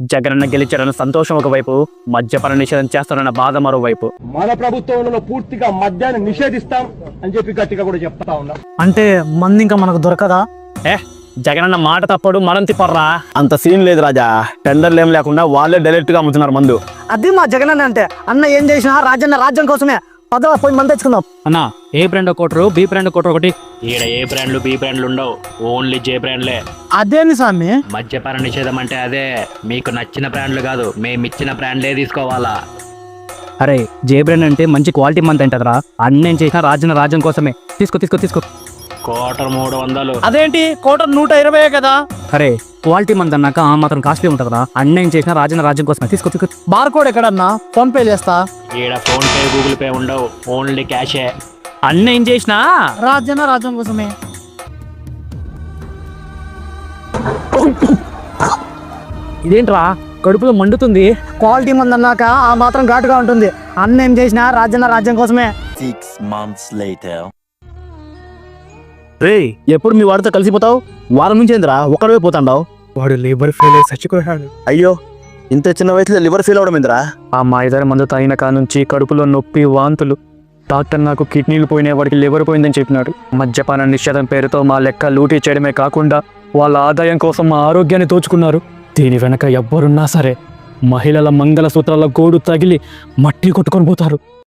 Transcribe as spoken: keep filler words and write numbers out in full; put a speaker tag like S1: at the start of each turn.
S1: జగనన్న గెలిచారన్న సంతోషం ఒకవైపు, మద్యపాన నిషేధం చేస్తారన్న బాధ మరోవైపు.
S2: మన ప్రభుత్వంలో పూర్తిగా మద్యాన్ని నిషేధిస్తాం అని చెప్పి గట్టిగా కూడా చెప్తా ఉన్నాం.
S3: అంటే మంది ఇంకా మనకు దొరకదా?
S1: ఏ జగనన్న మాట తప్పడు, మనం తిప్పర్రా.
S4: అంత సీన్ లేదు రాజా. టెండర్లు ఏం లేకుండా వాళ్ళే డైరెక్ట్ గా అమ్ముతున్నారు మందు.
S3: అది మా జగనన్న అంటే. అన్న ఏం చేసినా రాజన్న రాజ్యం కోసమే. పదవ పోయి మంది తెచ్చుకుందాం.
S1: అన్నా A brand quarter, B brand quarter ఒకటి.
S5: ఈడ ఏ బ్రాండ్లు బి బ్రాండ్లు ఉండవు, ఓన్లీ జే బ్రాండ్లే.
S3: అదేని స్వామి?
S5: మద్యపాన నిషేధం అంటే అదే. మీకు నచ్చిన బ్రాండ్లు కాదు, మేము ఇచ్చిన బ్రాండ్లే తీసుకోవాలా.
S1: అరే జే బ్రాండ్ అంటే మంచి క్వాలిటీ మంది అంటదరా. అన్నేం చేసినా రాజన్న రాజ్యం కోసమే. తీసుకో తీసుకో తీసుకో.
S5: కోటర్ మూడు వందలు.
S3: అదేంటి కోట నూట ఇరవై కదా?
S1: అరే క్వాలిటీ మంది అన్నాక ఆ మాత్రం కాస్ట్లీ ఉంటుందిరా. అన్నేం చేసినా రాజన్న రాజ్యం కోసమే. తీసుకో తీసుకో.
S3: బార్ కోడ్ ఎక్కడన్నా? ఫోన్ పే చేస్తా.
S5: ఈడ ఫోన్ పే గూగుల్ పే ఉండవు, ఓన్లీ క్యాషే.
S1: అన్నేం చేసినా
S3: రాజన్న రాజ్యం కోసమే.
S1: ఇదేంట్రా కడుపులో మండుతుంది.
S3: క్వాలిటీ మంది అన్నాక ఆ మాత్రం ఘాటుగా ఉంటుంది. అన్న ఏం చేసినా రాజన్న రాజ్యం కోసమే.
S6: Six months later.
S4: రే ఎప్పుడు మీ వాడితో కలిసిపోతావు? వారం నుంచి ఏందిరా ఒక్కడే పోతాండావు?
S2: వాడు లేబర్ ఫెయిల్ అయి చచ్చిపోయాడు.
S4: అయ్యో ఇంత చిన్న వయసులో లివర్ ఫెయిల్ అవడం ఏందిరా?
S1: ఆ మాయదారి మందు తాగిన కా నుంచి కడుపులో నొప్పి, వాంతులు. డాక్టర్ నాకు కిడ్నీలు పోయిన వాడికి లివర్ పోయిందని చెప్పినాడు. మద్యపాన నిషేధం పేరుతో మా లెక్క లూటీ చేయడమే కాకుండా వాళ్ళ ఆదాయం కోసం మా ఆరోగ్యాన్ని దోచుకున్నారు. దీని వెనక ఎవ్వరున్నా సరే మహిళల మంగళసూత్రాల గోడు తగిలి మట్టి కొట్టుకొని పోతారు.